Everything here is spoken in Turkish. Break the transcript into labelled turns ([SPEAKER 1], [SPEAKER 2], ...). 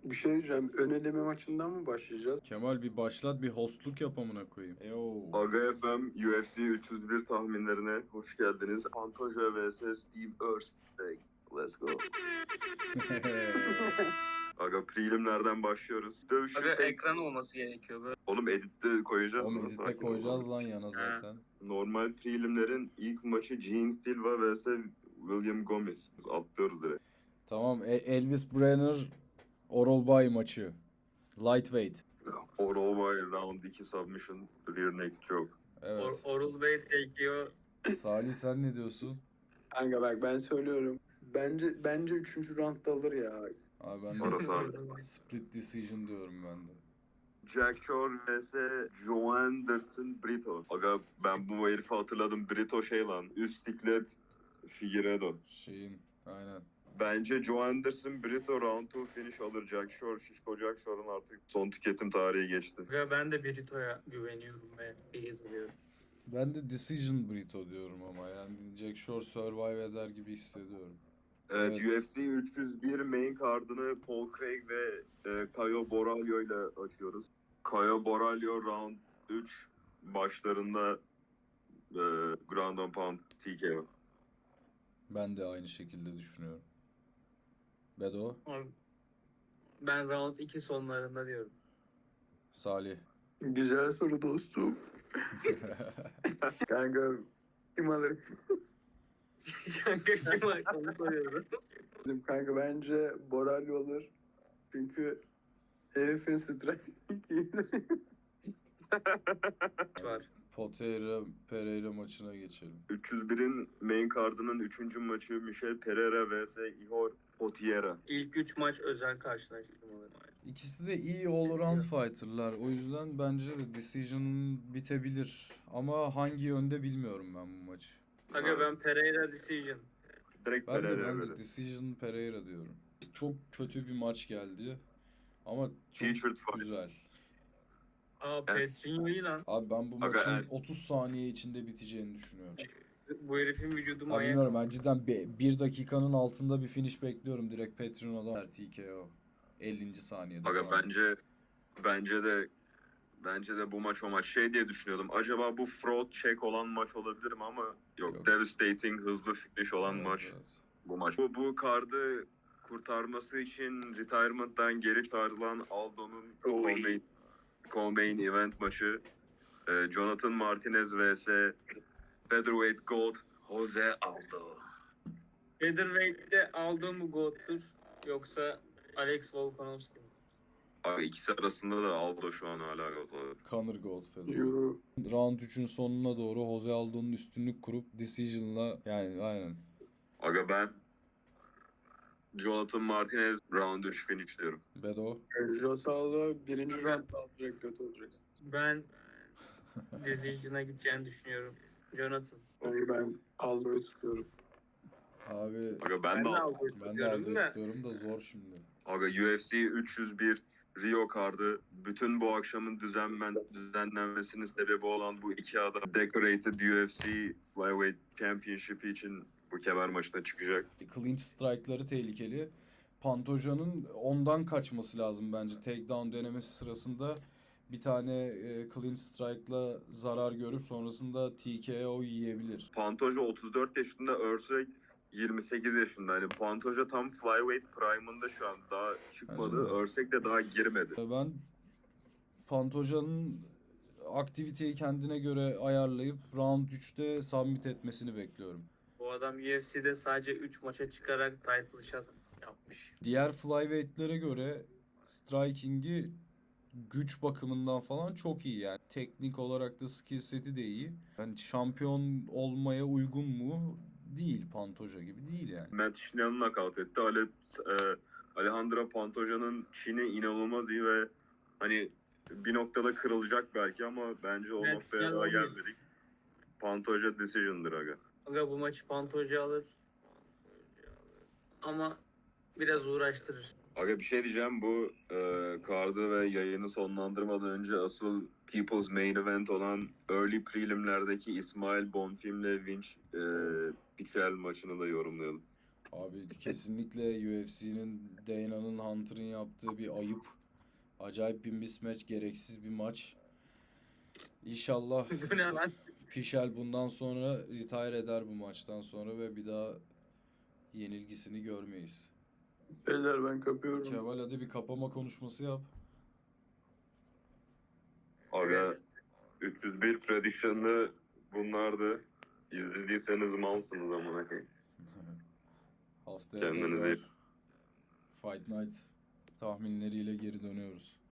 [SPEAKER 1] Bir şey diyeceğim. Ön eleme maçından mı başlayacağız?
[SPEAKER 2] Kemal bir başlat, bir hostluk yap amına koyayım. Yo.
[SPEAKER 3] Aga FM UFC 301 tahminlerine hoş geldiniz. Pantoja vs Steve Erceg. Let's go. Aga prelimlerden başlıyoruz. Dövüşün
[SPEAKER 4] Aga ekran olması gerekiyor böyle.
[SPEAKER 3] Oğlum editte koyacağız.
[SPEAKER 2] Oğlum
[SPEAKER 3] ona,
[SPEAKER 2] editte
[SPEAKER 3] sakin ol.
[SPEAKER 2] koyacağız lan yana zaten.
[SPEAKER 3] Normal prelimlerin ilk maçı Gene Silva vs William Gomez. Biz atlıyoruz direkt.
[SPEAKER 2] Tamam, Elvis Brenner Oral Bay maçı. Lightweight.
[SPEAKER 3] Oral by round 2 submission rear neck choke.
[SPEAKER 2] Evet.
[SPEAKER 4] Oral Bey çekiyor.
[SPEAKER 2] Salih sen ne diyorsun?
[SPEAKER 1] Kanka bak ben söylüyorum. Bence 3. roundda alır ya.
[SPEAKER 2] Abi ben
[SPEAKER 3] Orası
[SPEAKER 2] de
[SPEAKER 3] abi.
[SPEAKER 2] split decision diyorum ben de.
[SPEAKER 3] Jack Shore vs. Joanderson Brito. Aga ben bu herifi hatırladım. Brito şey lan. Üst siklet Figueiredo.
[SPEAKER 2] Aynen.
[SPEAKER 3] Bence Joanderson Brito round 2 finish alır. Jack Shore, Şişko Jack Shore'un artık son tüketim tarihi geçti.
[SPEAKER 4] Aga ben de Brito'ya güveniyorum ve beyaz oluyorum.
[SPEAKER 2] Ben de decision Brito diyorum ama yani Jack Shore survive eder gibi hissediyorum.
[SPEAKER 3] Evet,
[SPEAKER 2] Evet.
[SPEAKER 3] UFC 301 main card'ını Paul Craig ve Caio Borralho ile açıyoruz. Caio Borralho round 3 başlarında ground and pound TKO.
[SPEAKER 2] Ben de aynı şekilde düşünüyorum. Bedo,
[SPEAKER 4] Abi, ben round 2 sonlarında diyorum.
[SPEAKER 2] Salih.
[SPEAKER 1] Güzel soru dostum. Kanka kim alır?
[SPEAKER 4] Kanka kim var? Onu soruyorum.
[SPEAKER 1] Kanka bence Boralho alır. Çünkü herifin strateji.
[SPEAKER 4] Var.
[SPEAKER 2] Pereira maçına geçelim.
[SPEAKER 3] 301'in main card'ının 3. maçı Michel Pereira vs. Ihor Potieria.
[SPEAKER 4] İlk 3 maç özel karşılaştırmaları.
[SPEAKER 2] İkisi de iyi all-around fighter'lar. O yüzden bence de decision bitebilir. Ama hangi yönde bilmiyorum ben bu maçı.
[SPEAKER 4] Aga ben Pereira decision.
[SPEAKER 3] Direkt
[SPEAKER 2] Ben
[SPEAKER 3] Pereira'ya
[SPEAKER 2] de
[SPEAKER 3] böyle.
[SPEAKER 2] decision Pereira diyorum. Çok kötü bir maç geldi. Ama çok
[SPEAKER 3] Featured fight.
[SPEAKER 2] güzel.
[SPEAKER 4] Aa Petrinho iyi lan.
[SPEAKER 2] Abi ben bu
[SPEAKER 3] Aga,
[SPEAKER 2] maçın
[SPEAKER 3] evet.
[SPEAKER 2] 30 saniye içinde biteceğini düşünüyorum.
[SPEAKER 4] Bu herifin vücudu
[SPEAKER 2] Ya
[SPEAKER 4] manyak.
[SPEAKER 2] bilmiyorum, ben cidden 1 dakikanın altında bir finish bekliyorum direkt Petrino'dan. TKO. 50. saniyede
[SPEAKER 3] Aga
[SPEAKER 2] falan.
[SPEAKER 3] bence de bu maç o maç. Şey diye düşünüyordum. Acaba bu fraud check olan maç olabilir mi ama yok.
[SPEAKER 2] Yok.
[SPEAKER 3] Devastating hızlı finish olan
[SPEAKER 2] Evet,
[SPEAKER 3] maç.
[SPEAKER 2] evet.
[SPEAKER 3] Bu maç. Bu kardı kurtarması için retirement'tan geri çağrılan Aldo'nun co-main event maçı. Jonathan Martinez vs. Featherweight Gold Jose Aldo.
[SPEAKER 4] Featherweight'te aldığım bu GOAT'tur. Yoksa Alex Volkanovski mi?
[SPEAKER 3] Abi ikisi arasında da Aldo şu an hala yok.
[SPEAKER 2] Conor Goldfellow.
[SPEAKER 1] Euro.
[SPEAKER 2] Round 3'ün sonuna doğru Jose Aldo'nun üstünlük kurup decision'la yani aynen.
[SPEAKER 3] Aga ben Jonathan Martinez round 3 finish diyorum.
[SPEAKER 2] Bedo.
[SPEAKER 1] Josalo 1. roundda alacak, kötü olacak.
[SPEAKER 4] Ben decision'a gideceğini düşünüyorum. Jonathan.
[SPEAKER 1] Yani ben Aldo'yu tutuyorum.
[SPEAKER 2] Abi
[SPEAKER 3] Aga ben de
[SPEAKER 4] Aldo'yu
[SPEAKER 2] ben de
[SPEAKER 4] tutuyorum
[SPEAKER 2] Aldo
[SPEAKER 4] da.
[SPEAKER 2] istiyorum da zor şimdi.
[SPEAKER 3] Aga UFC 301 Rio kardı. Bütün bu akşamın düzenlenmesinin sebebi olan bu iki adam Decorated UFC Flyweight Championship için bu kemer maçına çıkacak.
[SPEAKER 2] Clinch strike'ları tehlikeli. Pantoja'nın ondan kaçması lazım bence. Takedown denemesi sırasında bir tane clinch strike'la zarar görüp sonrasında TKO yiyebilir.
[SPEAKER 3] Pantoja 34 yaşında, Erceg 28 yaşında. Hani Pantoja tam Flyweight prime'ında şu an. Daha çıkmadı.
[SPEAKER 2] Bence de.
[SPEAKER 3] Erceg de daha girmedi.
[SPEAKER 2] Ben Pantoja'nın aktiviteyi kendine göre ayarlayıp round 3'te submit etmesini bekliyorum.
[SPEAKER 4] Bu adam UFC'de sadece 3 maça çıkarak title shot yapmış.
[SPEAKER 2] Diğer flyweight'lere göre striking'i güç bakımından falan çok iyi yani. Teknik olarak da skill seti de iyi. Yani şampiyon olmaya uygun mu? Değil. Pantoja gibi değil yani.
[SPEAKER 3] Matt Schneal'ı nakavt etti. Alejandro Pantoja'nın Çin'i inanılmaz iyi ve hani bir noktada kırılacak belki ama bence o
[SPEAKER 4] Matt
[SPEAKER 3] noktaya
[SPEAKER 4] Schneal
[SPEAKER 3] daha
[SPEAKER 4] olmuyor.
[SPEAKER 3] gelmedik. Pantoja decision'dır aga.
[SPEAKER 4] Aga bu maçı Pantoja alır. Ama biraz uğraştırır.
[SPEAKER 3] Aga bir şey diyeceğim, bu kardı ve yayını sonlandırmadan önce asıl People's Main Event olan Early Prelim'lerdeki İsmail Bonfim'le Vinç Pichel maçını da yorumlayalım.
[SPEAKER 2] Abi kesinlikle UFC'nin, Dana'nın, Hunter'ın yaptığı bir ayıp. Acayip bir mismatch, gereksiz bir maç. İnşallah
[SPEAKER 4] Bu ne lan?
[SPEAKER 2] Pichel bundan sonra retire eder bu maçtan sonra ve bir daha yenilgisini görmeyiz.
[SPEAKER 1] Beyler ben kapıyorum.
[SPEAKER 2] Kemal hadi bir kapama konuşması yap.
[SPEAKER 3] Aga 301 prediction'ı bunlardı. İzlediyseniz malsınız amına koyayım.
[SPEAKER 2] Haftaya
[SPEAKER 3] Kendinize
[SPEAKER 2] tekrar
[SPEAKER 3] iyi-
[SPEAKER 2] Fight Night tahminleriyle geri dönüyoruz.